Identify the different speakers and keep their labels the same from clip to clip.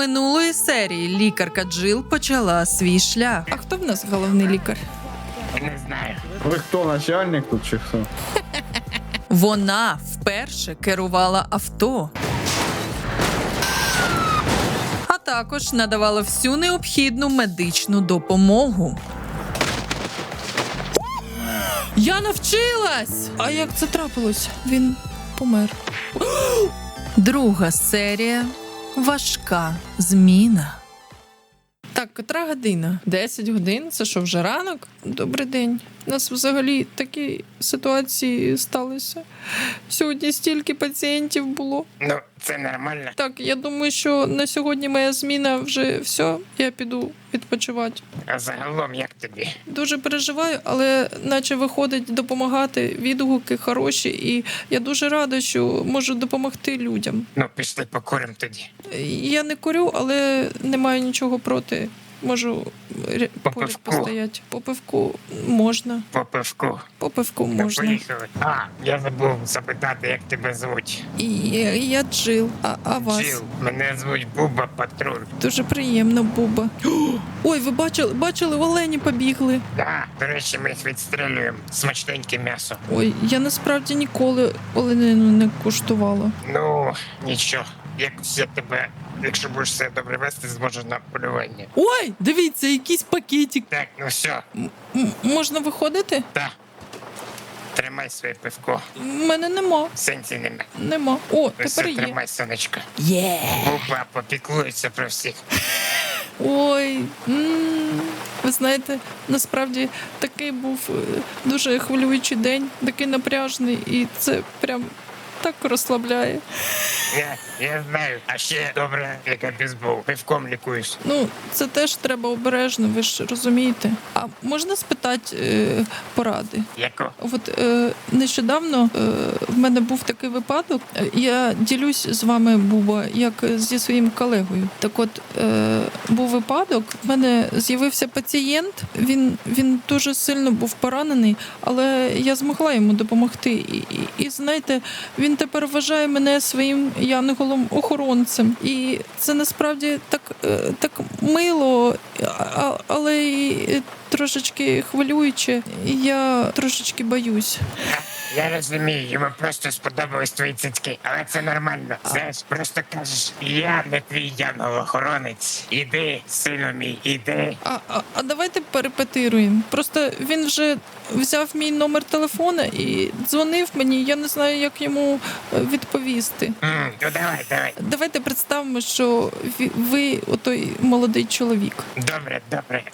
Speaker 1: Минулої серії лікарка Джил почала свій шлях. А хто в нас головний лікар?
Speaker 2: Не знаю.
Speaker 3: Ви хто, начальник тут чи хто?
Speaker 1: Вона вперше керувала авто. А також надавала всю необхідну медичну допомогу. Я навчилась! А як це трапилось? Він помер. Друга серія. Важка зміна. Так, котра година? 10 годин? Це що, вже ранок? Добрий день. У нас взагалі такі ситуації сталися. Сьогодні стільки пацієнтів було.
Speaker 2: Ну, це нормально.
Speaker 1: Так, я думаю, що на сьогодні моя зміна вже все. Я піду відпочивати.
Speaker 2: А загалом як тобі?
Speaker 1: Дуже переживаю, але наче виходить допомагати, відгуки хороші, і я дуже рада, що можу допомогти людям.
Speaker 2: Ну, пішли покуримо тоді.
Speaker 1: Я не курю, але не маю нічого проти. Можу
Speaker 2: По
Speaker 1: поряд
Speaker 2: пивку?
Speaker 1: постояти. По пивку можна.
Speaker 2: По пивку.
Speaker 1: По пивку
Speaker 2: Ну,
Speaker 1: можна.
Speaker 2: поїхали. А, я забув запитати, як тебе звуть.
Speaker 1: І я Джил. А вас?
Speaker 2: Джил. Мене звуть Буба Патруль.
Speaker 1: Дуже приємно, Буба. Ой, ви бачили, олені побігли.
Speaker 2: Да, до речі, ми їх відстрілюємо. Смачненьке м'ясо.
Speaker 1: Ой, я насправді ніколи оленину не куштувала.
Speaker 2: Ну, нічого. Якось я тебе, якщо будеш себе добре вести, зможу на полювання.
Speaker 1: Ой, дивіться, якийсь пакетик.
Speaker 2: Так, ну все,
Speaker 1: Можна виходити?
Speaker 2: так. Тримай своє пивко.
Speaker 1: У мене нема.
Speaker 2: Сенсі нема.
Speaker 1: Нема. О,
Speaker 2: Ось
Speaker 1: тепер є.
Speaker 2: тримай, сонечко.
Speaker 1: Є.
Speaker 2: Буба попіклується про всіх.
Speaker 1: Ой, ви знаєте, насправді такий був дуже хвилюючий день, такий напряжний, і це прям так розслабляє.
Speaker 2: Я знаю. А ще добре, як бейсбол. Пивком лікуєш.
Speaker 1: Ну, це теж треба обережно, ви ж розумієте. А можна спитати поради?
Speaker 2: Яко?
Speaker 1: От нещодавно в мене був такий випадок. Я ділюсь з вами, Буба, як зі своїм колегою. Так от був випадок, в мене з'явився пацієнт, він дуже сильно був поранений, але я змогла йому допомогти. І знаєте, він тепер вважає мене своїм янголом-охоронцем. І це насправді так мило, але і трошечки хвилююче. Я трошечки боюсь.
Speaker 2: Я розумію, йому просто сподобались твої цицьки, але це нормально. Знаєш, просто кажеш, я не твій янгол-охоронець. Іди, сину мій, іди.
Speaker 1: А давайте перепетируємо. Просто він вже взяв мій номер телефона і дзвонив мені. Я не знаю, як йому відповісти.
Speaker 2: Ну давай.
Speaker 1: Давайте представимо, що ви отой молодий чоловік.
Speaker 2: Добре.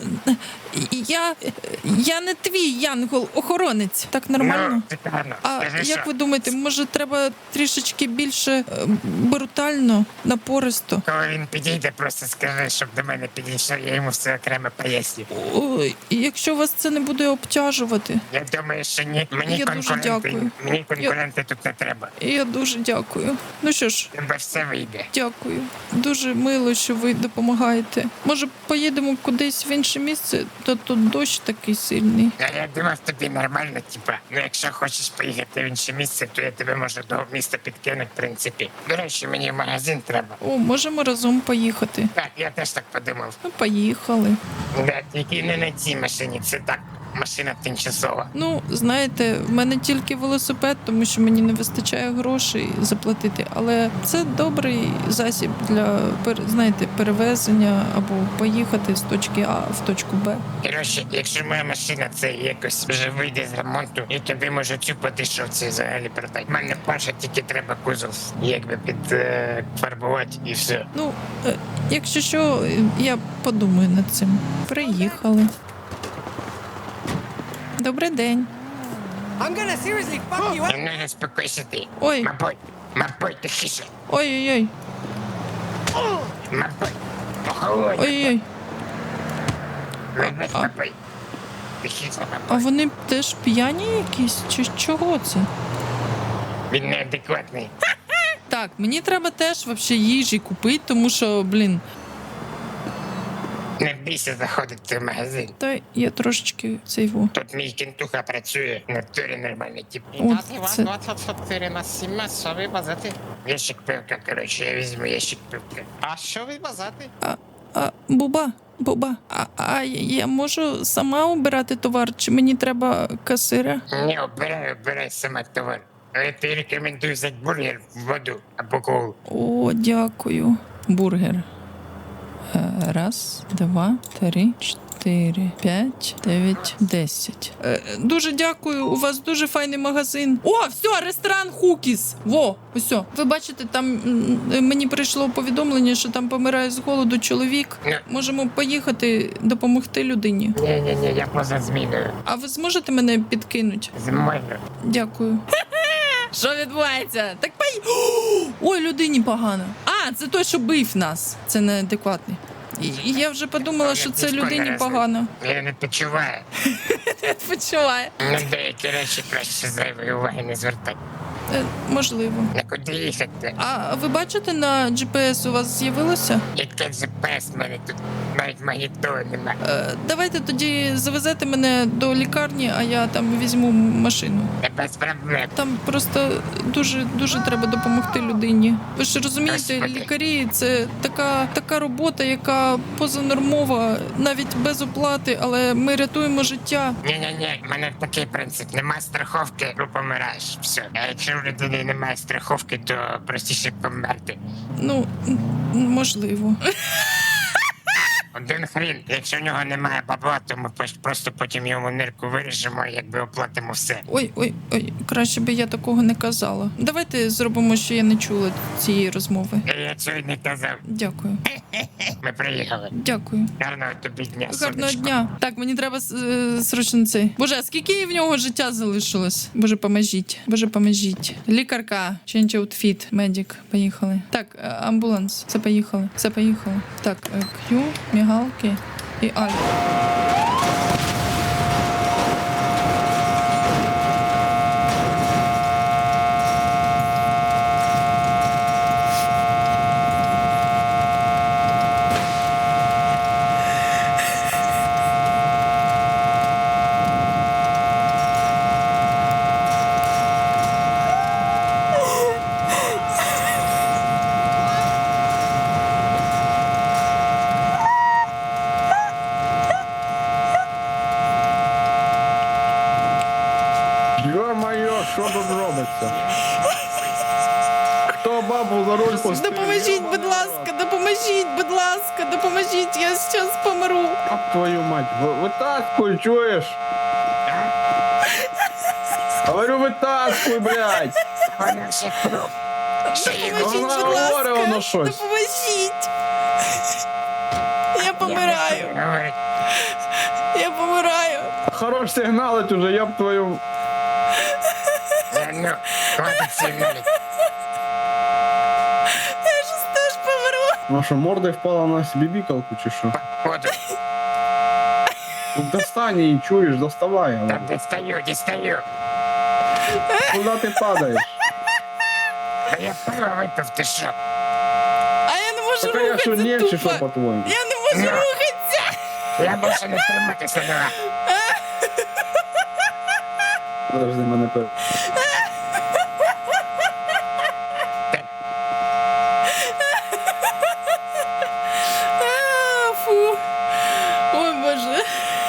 Speaker 1: Я не твій янгол-охоронець. Так нормально?
Speaker 2: Ну, гарно.
Speaker 1: А
Speaker 2: Скажи,
Speaker 1: як
Speaker 2: що?
Speaker 1: ви думаєте, може треба трішечки більше брутально, напористо?
Speaker 2: Коли він підійде, просто скажи, щоб до мене підійшов, я йому все окремо поясню.
Speaker 1: Ой, якщо вас це не буде обтяжувати,
Speaker 2: Я думаю, що ні. Мені
Speaker 1: Я дуже дякую.
Speaker 2: конкуренти тут не треба.
Speaker 1: я дуже дякую. Ну що ж,
Speaker 2: Тебе все вийде.
Speaker 1: дякую. Дуже мило, що ви допомагаєте. Може, поїдемо кудись в інше місце, то тут дощ такий сильний.
Speaker 2: А я думав, тобі нормально, типа. Ну, якщо хочеш поїхати в інше місце, то я тебе можу до міста підкинути, в принципі. До речі, мені в магазин треба.
Speaker 1: О, можемо разом поїхати.
Speaker 2: Так, я теж так подумав.
Speaker 1: Ну, поїхали.
Speaker 2: Да, тільки не на цій машині, це так, машина тимчасова.
Speaker 1: Ну, знаєте, в мене тільки велосипед, тому що мені не вистачає грошей заплатити. Але це добрий засіб для, знаєте, перевезення або поїхати з точки А в точку Б.
Speaker 2: Коротше, якщо моя машина це якось вже вийде з ремонту, я тобі можу цю по дешевці взагалі продати. У мене Паша, тільки треба кузов якби підфарбувати і все.
Speaker 1: Ну, якщо що, я подумаю над цим. Приїхали. Добрий день.
Speaker 4: I'm gonna seriously fuck you up.
Speaker 2: Немного спокойся ти.
Speaker 1: Ой.
Speaker 2: Мабуть, тихіше.
Speaker 1: Ой-ой-ой.
Speaker 2: Мабуть, охолонь.
Speaker 1: Ой-ой-ой.
Speaker 2: Мабуть. Тихіше,
Speaker 1: А
Speaker 2: мабуть.
Speaker 1: вони теж п'яні якісь? Чи чого це?
Speaker 2: Він неадекватний.
Speaker 1: Так, мені треба теж вообще їжі купити, тому що, блін.
Speaker 2: Не бійся заходити в магазин.
Speaker 1: Та я трошечки цейву.
Speaker 2: Тут мій кінтуха працює, на турі нормальний тип.
Speaker 1: От це.
Speaker 5: 24 на 7, що ви базати?
Speaker 2: Ящик пивка, коротше, я візьму ящик пивка.
Speaker 5: А що ви базати?
Speaker 1: Буба, а я можу сама обирати товар, чи мені треба касира?
Speaker 2: Не, обирай сама товар. Але ти рекомендую взяти бургер, воду або колу.
Speaker 1: О, дякую. Бургер. Раз, два, три, 4, 5, 9, 10. Дуже дякую, у вас дуже файний магазин. О, все, ресторан Хукіс. Во, ось. Ви бачите, там мені прийшло повідомлення, що там помирає з голоду чоловік. Можемо поїхати допомогти людині.
Speaker 2: Ні, я поза зміною.
Speaker 1: А ви зможете мене підкинути?
Speaker 2: Зимою.
Speaker 1: Дякую. Що відбувається? Так Ой, людині погано. А, це той, що бив нас. Це неадекватний. І я вже подумала, що це людині погано.
Speaker 2: Я не почуваю.
Speaker 1: Почуває.
Speaker 2: На деякі речі краще зайвої уваги не звертати.
Speaker 1: Можливо.
Speaker 2: На куди їхати?
Speaker 1: А ви бачите, на GPS у вас з'явилося?
Speaker 2: Яке GPS в мене тут навіть магнітоли нема.
Speaker 1: Давайте тоді завезете мене до лікарні, а я там візьму машину.
Speaker 2: Не без проблем.
Speaker 1: Там просто дуже треба допомогти людині. Ви ж розумієте,
Speaker 2: Господи.
Speaker 1: лікарі це така робота, яка позанормова, навіть без оплати, але ми рятуємо життя.
Speaker 2: Ні, в мене такий принцип. Немає страховки, ну помираєш. Все. А якщо у людини немає страховки, то простіше померти.
Speaker 1: Ну, можливо.
Speaker 2: Один хрін. Якщо в нього немає бабла, то ми просто потім йому нирку виріжемо і якби оплатимо все.
Speaker 1: Ой, краще би я такого не казала. Давайте зробимо, що я не чула цієї розмови.
Speaker 2: Я цього й не казав.
Speaker 1: Дякую.
Speaker 2: Ми приїхали.
Speaker 1: Дякую.
Speaker 2: Гарного тобі дня,
Speaker 1: Гарного
Speaker 2: сонечко.
Speaker 1: дня. Так, мені треба срочно цей. Боже, а скільки в нього життя залишилось? Боже, поможіть. Боже, поможіть. Лікарка. Change outfit. Медик. Поїхали. Так, амбуланс. Все поїхали. Так, Q, мігалки і Альфа.
Speaker 3: Йо-моє, що тут робиться? Хто бабу за руль посадив?
Speaker 1: Допоможіть, будь ласка, допоможіть, я зараз помру.
Speaker 3: Об твою мать, витаскуй, чуєш? Говорю, витаскуй, блядь!
Speaker 2: Вона ще кров. Ще є
Speaker 1: Допоможіть,
Speaker 3: Вона
Speaker 1: будь
Speaker 3: говорить, воно
Speaker 1: ласка,
Speaker 3: щось.
Speaker 1: допоможіть. Я помираю,
Speaker 2: Говорить,
Speaker 1: я помираю.
Speaker 3: Хорош сигналить уже, я б твою...
Speaker 2: ну, хватить сигналить.
Speaker 1: Я ж теж помру.
Speaker 3: Ну що, мордою впала на бібікалку чи що?
Speaker 2: Ходу.
Speaker 3: Ну достань її, чуєш, доставай.
Speaker 2: Там дістаю.
Speaker 3: Куди ти падаєш?
Speaker 2: Та я пиво випив, ти що?
Speaker 1: А я не можу
Speaker 3: Так я що,
Speaker 1: рухатися
Speaker 3: ні, чи що,
Speaker 1: тупо.
Speaker 3: по-твоєму?
Speaker 1: Я не можу
Speaker 2: Ну.
Speaker 1: рухатися.
Speaker 2: Я більше не триматися не можу.
Speaker 3: Подожди, мене пер...
Speaker 1: Фу. Ой, Боже.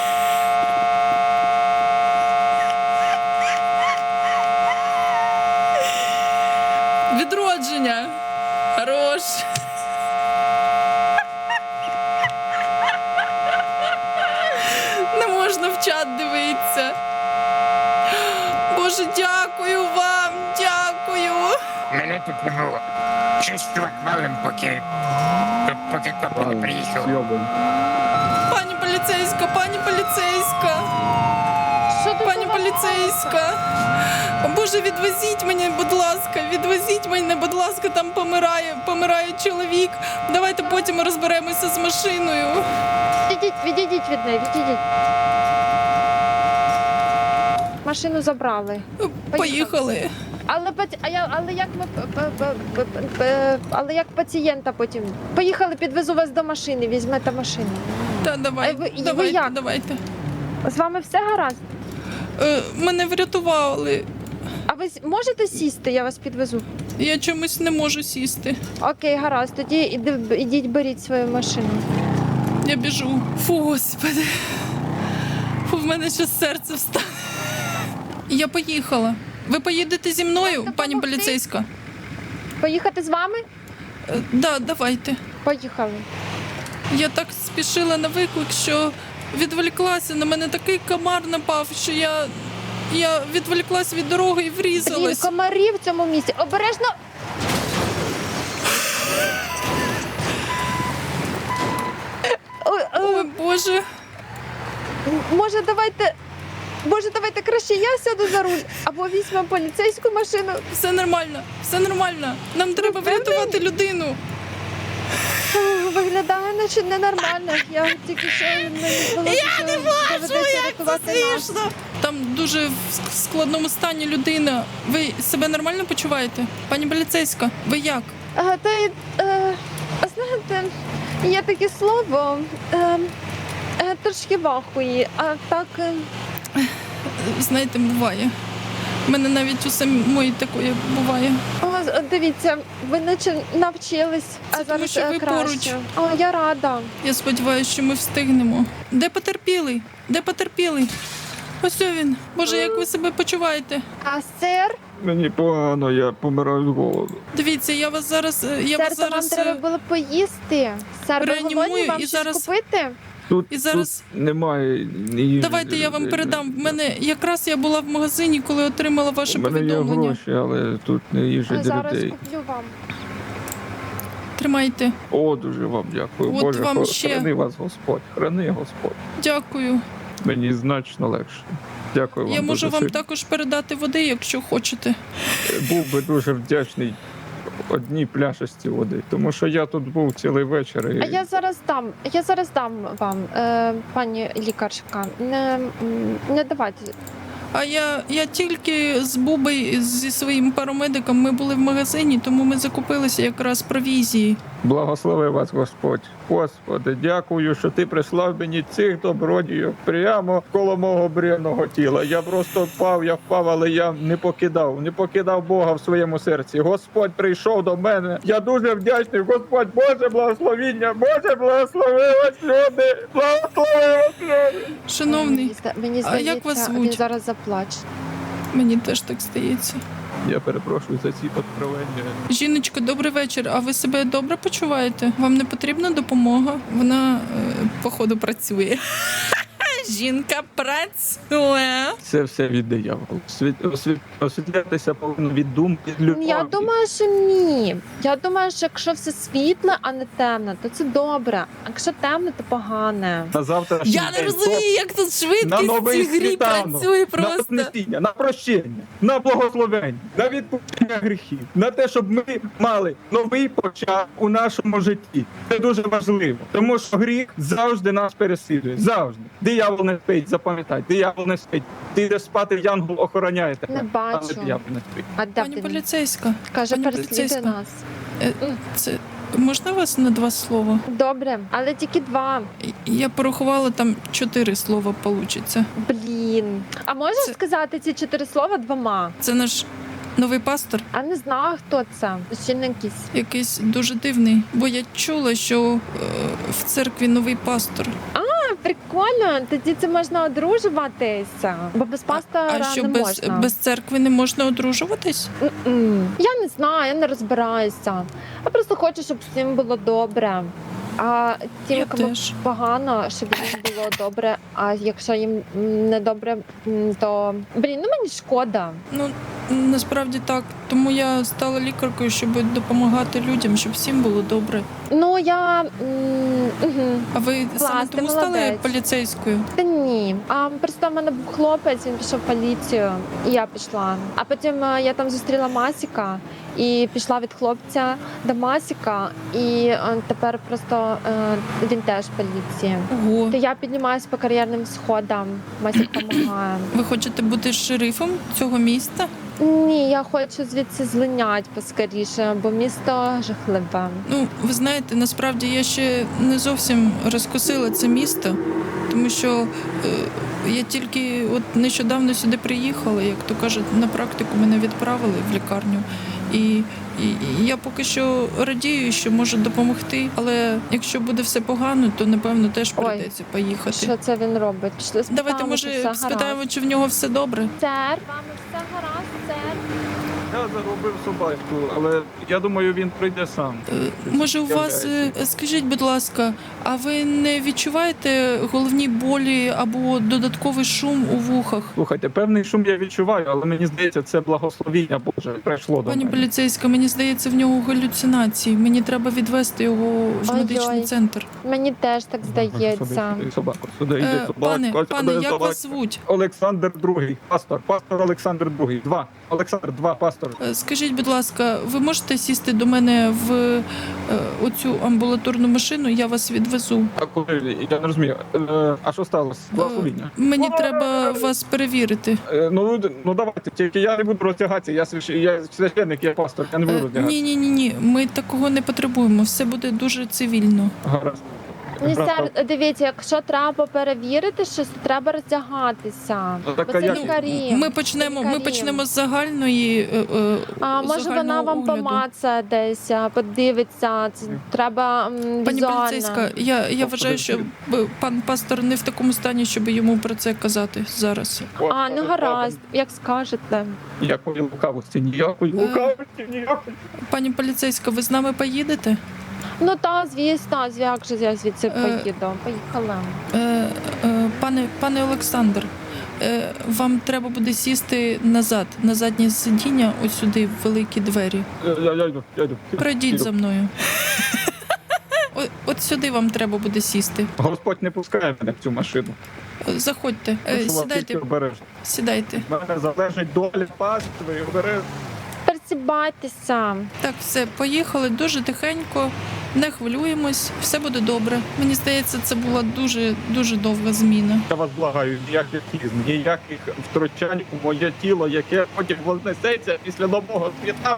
Speaker 1: Відродження. Хорош. Не можна в чат дивитися. Боже, дякую вам, дякую.
Speaker 2: Мене тут не було. Чувство хвалим, поки копи не приїхали.
Speaker 3: Зйобуй.
Speaker 1: Пані поліцейська, пані поліцейська. Пані поліцейська. О, Боже, відвезіть мене, будь ласка, будь ласка, там помирає чоловік. Давайте потім розберемося з машиною.
Speaker 6: Відійдіть від неї, відійдіть. Машину забрали.
Speaker 1: Поїхали.
Speaker 6: Але як пацієнта потім? Поїхали, підвезу вас до машини, візьмете машину.
Speaker 1: Та, давай,
Speaker 6: ви
Speaker 1: давайте,
Speaker 6: як?
Speaker 1: давайте.
Speaker 6: З вами все гаразд?
Speaker 1: Мене врятували.
Speaker 6: А ви можете сісти, я вас підвезу?
Speaker 1: Я чомусь не можу сісти.
Speaker 6: Окей, гаразд, тоді ідіть беріть свою машину.
Speaker 1: Я біжу. Фу, господи. Фу, в мене ще серце встане. Я поїхала. Ви поїдете зі мною,
Speaker 6: Можна
Speaker 1: пані
Speaker 6: допомогти?
Speaker 1: поліцейська?
Speaker 6: Поїхати з вами?
Speaker 1: Да, давайте.
Speaker 6: Поїхали.
Speaker 1: Я так спішила на виклик, що відволіклася. На мене такий комар напав, що я відволіклась від дороги і
Speaker 6: Блін,
Speaker 1: врізалась.
Speaker 6: комарі в цьому місці. Обережно.
Speaker 1: Ой, Боже.
Speaker 6: Може, давайте краще я сяду за руль, або візьмемо поліцейську машину.
Speaker 1: Все нормально, все нормально. Нам треба врятувати людину.
Speaker 6: Виглядає, наче ненормально. Я тільки що я не можу, як це смішно.
Speaker 1: Там дуже в складному стані людина. Ви себе нормально почуваєте? Пані поліцейська, ви як?
Speaker 6: Знаєте, є таке слово, трошки вахуї, а так...
Speaker 1: Знаєте, буває. У мене навіть у самої такої буває.
Speaker 6: Дивіться, ви наче навчились, а
Speaker 1: Це тому,
Speaker 6: зараз
Speaker 1: що ви
Speaker 6: краще.
Speaker 1: поруч.
Speaker 6: Я рада.
Speaker 1: Я сподіваюся, що ми встигнемо. Де потерпілий? Де потерпілий? Ось він. Боже, як ви себе почуваєте?
Speaker 6: А сер?
Speaker 3: Мені погано, я помираю з голоду.
Speaker 1: Дивіться, я вас зараз
Speaker 6: Сер, то вам треба було поїсти. Сер, ви
Speaker 1: реанімую
Speaker 6: голодні, вам
Speaker 1: і
Speaker 6: щось
Speaker 1: зараз-
Speaker 6: купити?
Speaker 3: Тут,
Speaker 1: І зараз-
Speaker 3: тут немає ні...
Speaker 1: Давайте я вам передам. В мене якраз я була в магазині, коли отримала ваше
Speaker 3: У мене є
Speaker 1: повідомлення.
Speaker 3: гроші, але тут не їжа для
Speaker 6: Зараз
Speaker 3: людей.
Speaker 6: куплю вам.
Speaker 1: Тримайте.
Speaker 3: О, дуже вам дякую.
Speaker 1: От
Speaker 3: Боже,
Speaker 1: вам ще.
Speaker 3: храни вас Господь, храни Господь.
Speaker 1: Дякую.
Speaker 3: Мені значно легше. Дякую вам
Speaker 1: Я можу
Speaker 3: дуже
Speaker 1: вам
Speaker 3: сильно.
Speaker 1: також передати води, якщо хочете.
Speaker 3: Був би дуже вдячний одній пляшості води, тому що я тут був цілий вечір. І...
Speaker 6: А я зараз дам вам, пані лікарка. Не давайте.
Speaker 1: А я тільки з Бубой, зі своїм парамедиком, ми були в магазині, тому ми закупилися якраз провізії.
Speaker 3: Благослови вас Господь. Господи, дякую, що ти прислав мені цих добродіїв прямо коло мого бренного тіла. Я просто впав, але я не покидав Бога в своєму серці. Господь прийшов до мене. Я дуже вдячний. Господь, Боже благословіння, Боже благослови вас, люди, благослови вас, люди.
Speaker 1: Шановний,
Speaker 6: Мені
Speaker 1: а як вас
Speaker 6: здається,
Speaker 1: звуть?
Speaker 6: він зараз заплаче.
Speaker 1: мені теж так здається.
Speaker 3: Я перепрошую за ці откровення.
Speaker 1: Жіночко, добрий вечір. А ви себе добре почуваєте? Вам не потрібна допомога? Вона, походу, працює. Жінка працює.
Speaker 3: Це все від диявола. Освітлятися повинно від думки, від любові.
Speaker 6: Я думаю, що ні. Я думаю, що якщо все світле, а не темне, то це добре. А якщо темне, то погане.
Speaker 3: На завтра
Speaker 1: Я не розумію, як тут
Speaker 3: на
Speaker 1: швидкість в
Speaker 3: новий
Speaker 1: цій грі
Speaker 3: світанок,
Speaker 1: працює
Speaker 3: на
Speaker 1: просто.
Speaker 3: вознесіння, на прощення, на благословення, на відпущення гріхів, на те, щоб ми мали новий початок у нашому житті. Це дуже важливо, тому що гріх завжди нас переслідує. Завжди. Диявол не спить, запам'ятай, диявол не спить. Ти йдеш спати, янгол охороняє тебе.
Speaker 6: Не бачу.
Speaker 3: Але диявол не спить.
Speaker 6: А де
Speaker 1: Пані
Speaker 6: він?
Speaker 1: поліцейська,
Speaker 6: Каже,
Speaker 1: пані
Speaker 6: переслідує
Speaker 1: поліцейська.
Speaker 6: нас.
Speaker 1: Це можна вас на 2 слова?
Speaker 6: Добре, але тільки 2.
Speaker 1: Я порахувала, там 4 слова получиться.
Speaker 6: Блін. А можеш
Speaker 1: Це-
Speaker 6: сказати ці 4 слова 2?
Speaker 1: Це наш новий пастор,
Speaker 6: А не знаю, хто це. Ще не якийсь.
Speaker 1: якийсь дуже дивний. Бо я чула, що в церкві новий пастор.
Speaker 6: Прикольно, тоді це можна одружуватися. Бо без пастора
Speaker 1: А що
Speaker 6: не
Speaker 1: без,
Speaker 6: можна.
Speaker 1: без церкви не можна одружуватись?
Speaker 6: Я не знаю, я не розбираюся. Я просто хочу, щоб всім було добре. А тим,
Speaker 1: Я
Speaker 6: кому
Speaker 1: теж.
Speaker 6: погано, щоб їм було добре. А якщо їм не добре, то мені шкода.
Speaker 1: Ну насправді так. Тому я стала лікаркою, щоб допомагати людям, щоб всім було добре.
Speaker 6: Ну я
Speaker 1: А ви саме
Speaker 6: Клас, ти
Speaker 1: тому стали
Speaker 6: молодець.
Speaker 1: поліцейською?
Speaker 6: та ні. А просто в мене був хлопець, він пішов в поліцію, і я пішла. А потім я там зустріла Масіка і пішла від хлопця до Масіка, і тепер просто він теж в поліції.
Speaker 1: Ого.
Speaker 6: То я піднімаюсь по кар'єрним сходам, Масік допомагає.
Speaker 1: Ви хочете бути шерифом цього міста?
Speaker 6: Ні, я хочу звідси злинять поскоріше, бо місто жахливе.
Speaker 1: Ну, ви знаєте. знаєте, насправді я ще не зовсім розкусила це місто, тому що я тільки от нещодавно сюди приїхала, як то кажуть, на практику мене відправили в лікарню. І я поки що радію, що можу допомогти, але якщо буде все погано, то напевно теж
Speaker 6: Ой,
Speaker 1: прийдеться поїхати.
Speaker 6: Що це він робить? Пішли спитаємо,
Speaker 1: Давайте,
Speaker 6: чи
Speaker 1: може,
Speaker 6: все
Speaker 1: спитаємо,
Speaker 6: гаразд.
Speaker 1: чи в нього все добре.
Speaker 6: Сер, вами все гаразд, сер?
Speaker 3: Я загубив собачку, але я думаю, він прийде сам.
Speaker 1: Може, у вас, скажіть, будь ласка, а ви не відчуваєте головні болі або додатковий шум у вухах?
Speaker 3: Слухайте, певний шум я відчуваю, але мені здається, це благословіння Боже прийшло до
Speaker 1: Пані
Speaker 3: мене.
Speaker 1: поліцейська, мені здається, в нього галюцинації. Мені треба відвести його в
Speaker 6: Ой-ой.
Speaker 1: медичний центр.
Speaker 6: Мені теж так здається.
Speaker 3: Сюди, собаку, сюди, йди,
Speaker 1: Пане,
Speaker 3: собачка,
Speaker 1: як
Speaker 3: собачка.
Speaker 1: вас звуть?
Speaker 3: Олександр II, пастор Олександр II. Олександр, пастор.
Speaker 1: Скажіть, будь ласка, ви можете сісти до мене в оцю амбулаторну машину? Я вас відвезу.
Speaker 3: А коли, я не розумію, а що сталося? Благословіння.
Speaker 1: Мені треба вас перевірити.
Speaker 3: Ну давайте, тільки я не буду роздягатися, я священник, я пастор, я не буду роздягатися.
Speaker 1: Ні. Ми такого не потребуємо. Все буде дуже цивільно.
Speaker 3: Гаразд.
Speaker 6: Ні,
Speaker 3: Брат,
Speaker 6: сер, дивіться, якщо треба перевірити щось, то треба роздягатися.
Speaker 3: Ну, так,
Speaker 6: Бо
Speaker 3: а
Speaker 6: це
Speaker 3: як?
Speaker 6: лікарі.
Speaker 1: Ми почнемо з загальної
Speaker 6: А може вона
Speaker 1: загального
Speaker 6: вам
Speaker 1: огляду.
Speaker 6: помацає десь, подивиться. Це треба
Speaker 1: Пані
Speaker 6: візуально.
Speaker 1: поліцейська, я вважаю, що пан пастор не в такому стані, щоб йому про це казати зараз.
Speaker 6: А, ну гаразд, як скажете.
Speaker 3: Ніякої лукавості, ніякої лукавості, ніякої.
Speaker 1: Пані поліцейська, ви з нами поїдете?
Speaker 6: Ну та, звісно, як же я звідси
Speaker 1: Е,
Speaker 6: поїду. Поїхали.
Speaker 1: Пане Олександр, вам треба буде сісти назад, на заднє сидіння, ось сюди, в великі двері.
Speaker 3: Я йду.
Speaker 1: Пройдіть за мною. От сюди вам треба буде сісти.
Speaker 3: Господь не пускає мене в цю машину.
Speaker 1: Заходьте,
Speaker 3: Прошу вас,
Speaker 1: сідайте,
Speaker 3: тільки обережно.
Speaker 1: сідайте.
Speaker 3: В мене залежить доля пастви, обережно.
Speaker 6: Пересібайтеся.
Speaker 1: Так, все, поїхали дуже тихенько, не хвилюємось, все буде добре. Мені здається, це була дуже довга зміна.
Speaker 3: Я вас благаю, ніяких хізм, ніяких втручань у моє тіло, яке потім вознесеться після нового світа.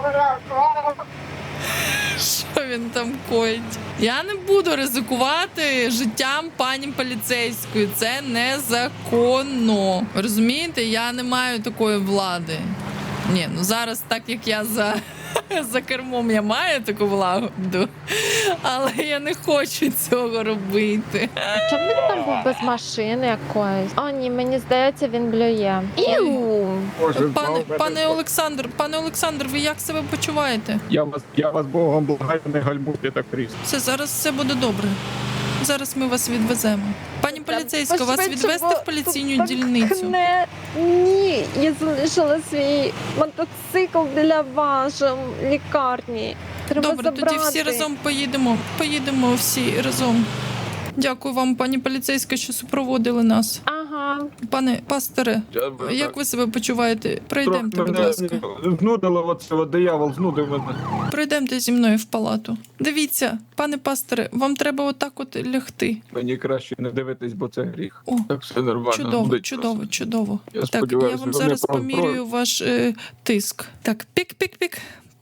Speaker 1: Що він там коїть? Я не буду ризикувати життям пані поліцейської. Це незаконно. Розумієте, я не маю такої влади. Ні, ну зараз, так як я за кермом, я маю таку владу, але я не хочу цього робити.
Speaker 6: Чому він там був без машини якоїсь? О, ні, мені здається, він блює. Іу!
Speaker 3: Боже,
Speaker 1: Пане Олександр, ви як себе почуваєте?
Speaker 3: я вас Богом благаю, не гальмуйте так різко.
Speaker 1: Все, зараз все буде добре. Зараз ми вас відвеземо. Пані поліцейська, вас
Speaker 6: Пошвидше,
Speaker 1: відвести
Speaker 6: бо
Speaker 1: в поліційну
Speaker 6: тут
Speaker 1: дільницю?
Speaker 6: пахне. Ні, я залишила свій мотоцикл для вашої лікарні. Треба
Speaker 1: Добре,
Speaker 6: забрати.
Speaker 1: тоді всі разом поїдемо. Поїдемо всі разом. Дякую вам, пані поліцейська, що супроводили нас.
Speaker 6: Ага.
Speaker 1: Пане пасторе, як ви себе почуваєте? Пройдемте, будь ласка.
Speaker 3: Знудило оце, диявол знудив мене.
Speaker 1: Пройдемте зі мною в палату. Дивіться, пане пасторе, вам треба отак от лягти.
Speaker 3: Мені краще не дивитись, бо це гріх.
Speaker 1: О,
Speaker 3: Так все нормально.
Speaker 1: чудово,
Speaker 3: буде
Speaker 1: чудово, чудово.
Speaker 3: Я
Speaker 1: Так, я
Speaker 3: сподіваюся,
Speaker 1: вам
Speaker 3: ви
Speaker 1: зараз
Speaker 3: не
Speaker 1: помірюю ваш тиск. Так, пік-пік-пік.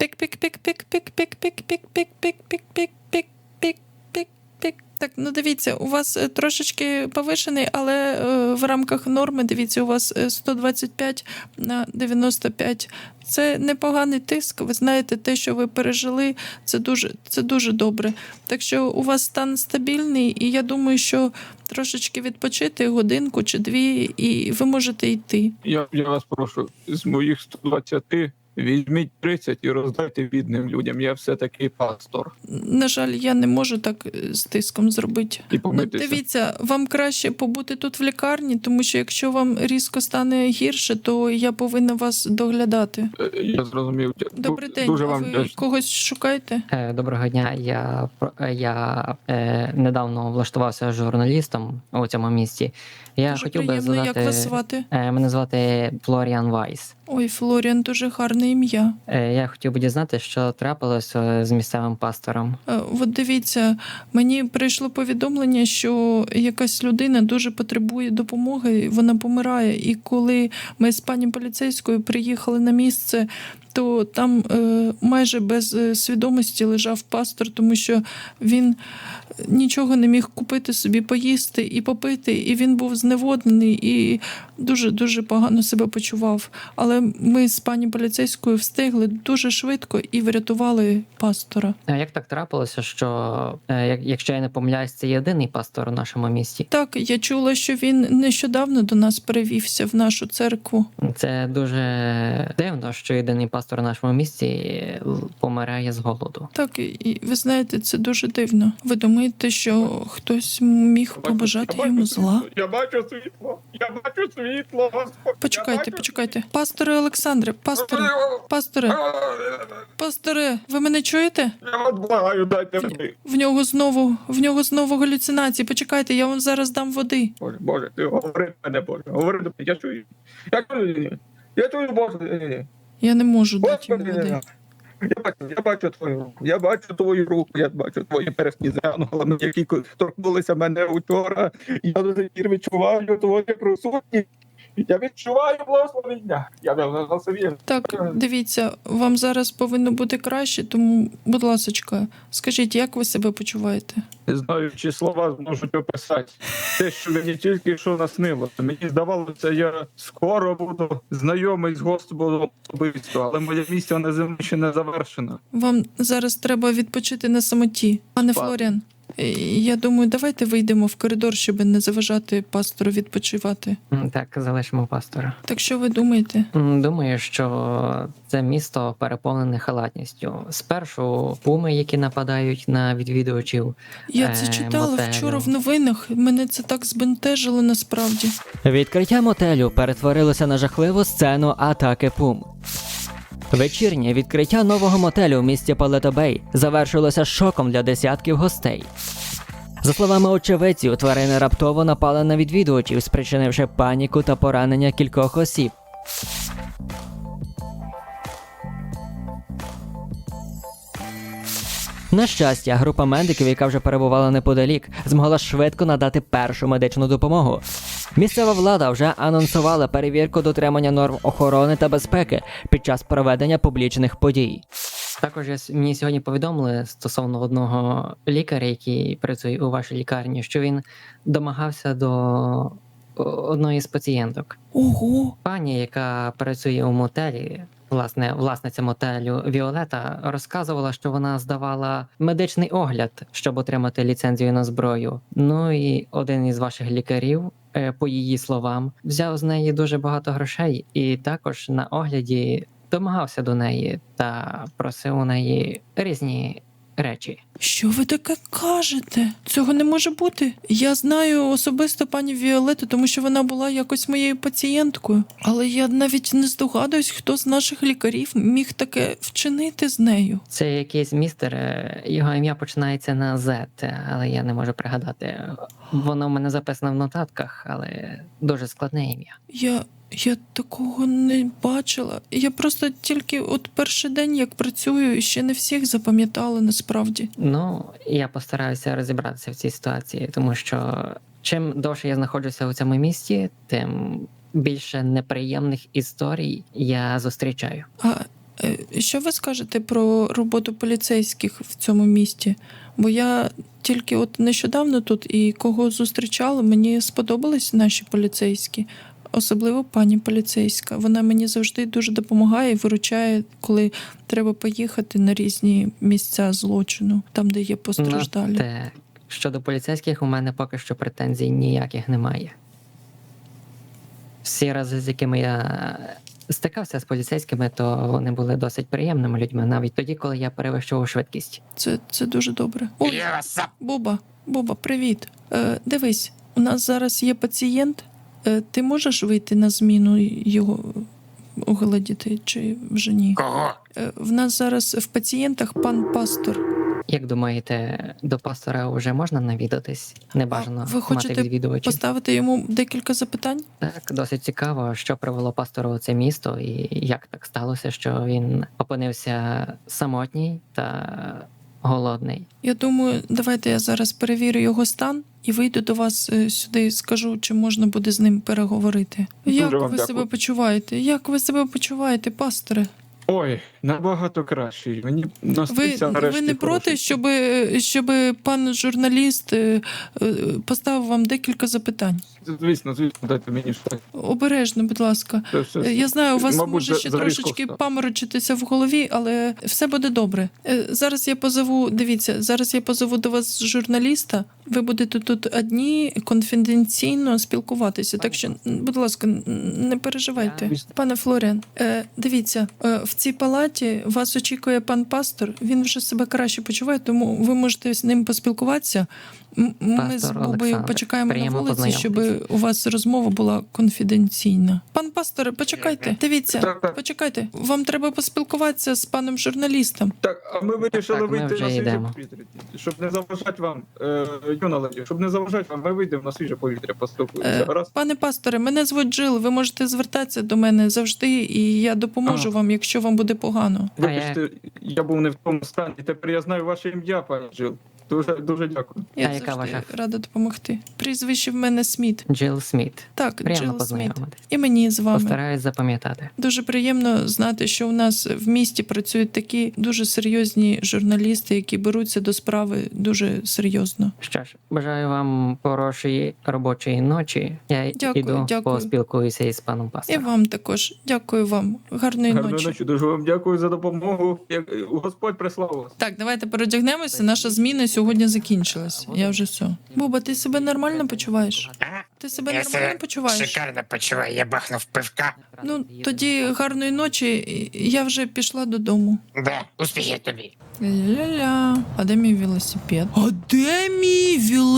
Speaker 1: Пік-пік-пік-пік-пік-пік-пік-пік-пік-пік-пік-пік. Так, ну дивіться, у вас трошечки повишений, але в рамках норми, дивіться, у вас 125 на 95. Це непоганий тиск. Ви знаєте, те, що ви пережили, це дуже добре. Так що у вас стан стабільний, і я думаю, що трошечки відпочити, годинку чи дві, і ви можете йти.
Speaker 3: Я вас прошу, з моїх 120 візьміть 30 і роздайте бідним людям. Я все-таки пастор.
Speaker 1: На жаль, я не можу так з тиском зробити.
Speaker 3: І помитися.
Speaker 1: Дивіться, вам краще побути тут в лікарні, тому що якщо вам різко стане гірше, то я повинна вас доглядати.
Speaker 3: Я зрозумів.
Speaker 1: Добрий день,
Speaker 3: Дуже
Speaker 1: а
Speaker 3: вам
Speaker 1: ви
Speaker 3: вдячний.
Speaker 1: когось шукаєте?
Speaker 7: Доброго дня. Я недавно влаштувався журналістом у цьому місті. Я
Speaker 1: Дуже
Speaker 7: хотів би
Speaker 1: приємно,
Speaker 7: задати.
Speaker 1: як вас звати?
Speaker 7: Мене звати Флоріан Вайс.
Speaker 1: Ой, Флоріан, дуже гарне ім'я.
Speaker 7: Я хотів би дізнати, що трапилося з місцевим пастором.
Speaker 1: От дивіться, мені прийшло повідомлення, що якась людина дуже потребує допомоги, вона помирає. І коли ми з пані поліцейською приїхали на місце, то там майже без свідомості лежав пастор, тому що він нічого не міг купити собі, поїсти і попити, і він був зневоднений і дуже-дуже погано себе почував. Але ми з пані поліцейською встигли дуже швидко і врятували пастора.
Speaker 7: А як так трапилося, що, якщо я не помиляюсь, це єдиний пастор у нашому місті?
Speaker 1: Так, я чула, що він нещодавно до нас перевівся в нашу церкву.
Speaker 7: Це дуже дивно, що єдиний пастор у нашому місті помирає з голоду.
Speaker 1: Так, і ви знаєте, це дуже дивно. Ви думаєте, що хтось міг побажати йому зла?
Speaker 3: Я бачу світло, Господь.
Speaker 1: Почекайте. Пасторе Олександре, пасторе, ви мене чуєте?
Speaker 3: Я вас благаю, дайте мені.
Speaker 1: В нього знову галюцинації. Почекайте, я вам зараз дам води.
Speaker 3: Боже, ти говори мене, Боже, говори до мене, я чую, Боже.
Speaker 1: Я не можу дати йому
Speaker 3: Господи,
Speaker 1: води.
Speaker 3: я бачу твою руку, я бачу твої пересні з янголами, які торкнулися мене учора. Я до сих пір відчуваю твою присутність. Я відчуваю благословення. Я давно собі.
Speaker 1: Так, дивіться, вам зараз повинно бути краще, тому, будь ласочка, скажіть, як ви себе почуваєте?
Speaker 3: Не знаю, чи слова зможуть описати те, що мені тільки що наснилося. Мені здавалося, я скоро буду знайомий з Господом особисто, але моя місія на землі ще не завершена.
Speaker 1: Вам зараз треба відпочити на самоті. Пане Флоріан, я думаю, давайте вийдемо в коридор, щоб не заважати пастору відпочивати.
Speaker 7: Так, залишимо пастора.
Speaker 1: Так що ви думаєте?
Speaker 7: Думаю, що це місто переповнене халатністю. Спершу пуми, які нападають на відвідувачів.
Speaker 1: Я це читала
Speaker 7: мотелю.
Speaker 1: вчора в новинах. Мене це так збентежило насправді.
Speaker 8: Відкриття мотелю перетворилося на жахливу сцену атаки пум. Вечірнє відкриття нового мотелю в місті Палето-Бей завершилося шоком для десятків гостей. За словами очевидців, тварини раптово напали на відвідувачів, спричинивши паніку та поранення кількох осіб. На щастя, група медиків, яка вже перебувала неподалік, змогла швидко надати першу медичну допомогу. Місцева влада вже анонсувала перевірку дотримання норм охорони та безпеки під час проведення публічних подій.
Speaker 7: Також мені сьогодні повідомили стосовно одного лікаря, який працює у вашій лікарні, що він домагався до одної з пацієнток.
Speaker 1: Ого!
Speaker 7: Пані, яка працює у мотелі, власниця мотелю Віолета, розказувала, що вона здавала медичний огляд, щоб отримати ліцензію на зброю. Ну і один із ваших лікарів, по її словам, взяв з неї дуже багато грошей і також на огляді домагався до неї та просив у неї різні речі.
Speaker 1: Що ви таке кажете? Цього не може бути. Я знаю особисто пані Віолету, тому що вона була якось моєю пацієнткою. Але я навіть не здогадуюсь, хто з наших лікарів міг таке вчинити з нею.
Speaker 7: Це якийсь містер, його ім'я починається на Z, але я не можу пригадати. Воно в мене записано в нотатках, але дуже складне ім'я.
Speaker 1: Я такого не бачила. Я просто тільки от перший день, як працюю, і ще не всіх запам'ятала насправді.
Speaker 7: Ну, я постараюся розібратися в цій ситуації, тому що чим довше я знаходжуся у цьому місті, тим більше неприємних історій я зустрічаю.
Speaker 1: А що ви скажете про роботу поліцейських в цьому місті? Бо я тільки от нещодавно тут і кого зустрічала, мені сподобались наші поліцейські. Особливо пані поліцейська. Вона мені завжди дуже допомагає і виручає, коли треба поїхати на різні місця злочину, там, де є постраждалі.
Speaker 7: Те, щодо поліцейських, у мене поки що претензій ніяких немає. Всі рази, з якими я стикався з поліцейськими, то вони були досить приємними людьми, навіть тоді, коли я перевищував швидкість.
Speaker 1: Це дуже добре. Ой,
Speaker 2: Я сап.
Speaker 1: Буба, привіт. Дивись, у нас зараз є пацієнт. Ти можеш вийти на зміну його оглядіти чи вже ні?
Speaker 2: Кого?
Speaker 1: В нас зараз в пацієнтах пан пастор.
Speaker 7: Як думаєте, до пастора вже можна навідатись? Небажано
Speaker 1: Ви хочете
Speaker 7: мати відвідувачів.
Speaker 1: Поставити йому декілька запитань?
Speaker 7: Так, досить цікаво, що привело пастора у це місто і як так сталося, що він опинився самотній та голодний.
Speaker 1: Я думаю, давайте я зараз перевірю його стан і вийду до вас сюди і скажу, чи можна буде з ним переговорити.
Speaker 3: Дуже
Speaker 1: Як
Speaker 3: вам
Speaker 1: ви
Speaker 3: дякую.
Speaker 1: себе почуваєте? Як ви себе почуваєте, пасторе?
Speaker 3: Ой, набагато кращий. Мені
Speaker 1: Ви,
Speaker 3: наснився нарешті
Speaker 1: ви не проти,
Speaker 3: хороший.
Speaker 1: щоб пан журналіст поставив вам декілька запитань?
Speaker 3: Звісно, дайте мені щось.
Speaker 1: Обережно, будь ласка.
Speaker 3: Все.
Speaker 1: Я знаю, у вас
Speaker 3: Мабуть,
Speaker 1: може ще
Speaker 3: за різко
Speaker 1: трошечки
Speaker 3: встав.
Speaker 1: паморочитися в голові, але все буде добре. Зараз я позову, дивіться, зараз я позову до вас журналіста. Ви будете тут одні конфіденційно спілкуватися. Так що, будь ласка, не переживайте. Пане Флоріан, дивіться, в цій палаті вас очікує пан пастор. Він вже себе краще почуває, тому ви можете з ним поспілкуватися. Ми з
Speaker 7: Пастор
Speaker 1: Бубою
Speaker 7: Олександр,
Speaker 1: почекаємо на
Speaker 7: приємно
Speaker 1: вулиці, щоб
Speaker 7: познайомитись.
Speaker 1: у вас розмова була конфіденційна. Пан пасторе, почекайте. Дивіться,
Speaker 3: Так.
Speaker 1: почекайте. Вам треба поспілкуватися з паном журналістом.
Speaker 3: Так, а ми вирішили
Speaker 7: Так, ми
Speaker 3: вийти
Speaker 7: вже
Speaker 3: на свіже
Speaker 7: йдемо.
Speaker 3: повітря. Щоб не заважати вам, юна леді, щоб не заважати вам, ми вийдемо на свіже повітря, поспілкуємося. Гаразд?
Speaker 1: Пане пасторе, мене звуть Джил. Ви можете звертатися до мене завжди, і я допоможу
Speaker 3: Ага.
Speaker 1: вам, якщо вам буде погано.
Speaker 3: Вибачте, я був не в тому стані. Тепер я знаю ваше ім'я, пані Джил. Дуже дякую.
Speaker 1: Я
Speaker 7: А яка
Speaker 1: завжди
Speaker 7: ваша?
Speaker 1: рада допомогти. Прізвище в мене Сміт.
Speaker 7: Джил Сміт.
Speaker 1: Так,
Speaker 7: Приємно
Speaker 1: Джил Сміт.
Speaker 7: познайомитись.
Speaker 1: І мені з вами.
Speaker 7: Постараюсь запам'ятати.
Speaker 1: Дуже приємно знати, що у нас в місті працюють такі дуже серйозні журналісти, які беруться до справи дуже серйозно.
Speaker 7: Що ж, бажаю вам хорошої робочої ночі. Я
Speaker 1: Дякую.
Speaker 7: поспілкуюся із паном
Speaker 1: І
Speaker 7: пастором.
Speaker 1: вам також. Дякую вам. Гарної
Speaker 3: Гарної
Speaker 1: ночі.
Speaker 3: ночі, дуже вам дякую за допомогу. Господь прислав вас.
Speaker 1: Так, давайте переодягнемося. Наша зміна сьогодні закінчилась. Я вже все. Буба, ти себе нормально почуваєш?
Speaker 2: А?
Speaker 1: Ти себе
Speaker 2: Я
Speaker 1: нормально
Speaker 2: себе
Speaker 1: почуваєш?
Speaker 2: шикарно почуваю, я бахнув пивка.
Speaker 1: Ну, тоді гарної ночі. Я вже пішла додому.
Speaker 2: Да, успіхів тобі.
Speaker 1: Ля-ля. А де мій велосипед? А де мій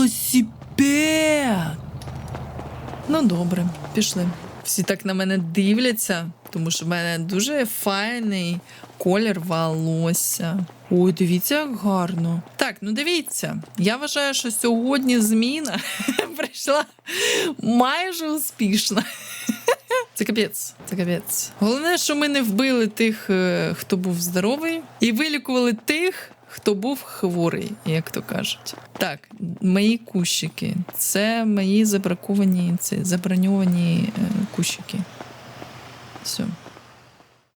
Speaker 1: велосипед? Ну, добре, пішли. Всі так на мене дивляться, тому що в мене дуже файний колір волосся. Ой, дивіться, як гарно. Так, ну дивіться. Я вважаю, що сьогодні зміна прийшла майже успішно. Це капець, це капець. Головне, що ми не вбили тих, хто був здоровий, і вилікували тих, хто був хворий, як то кажуть. Так, мої кущики. Це мої заброньовані кущики. Все.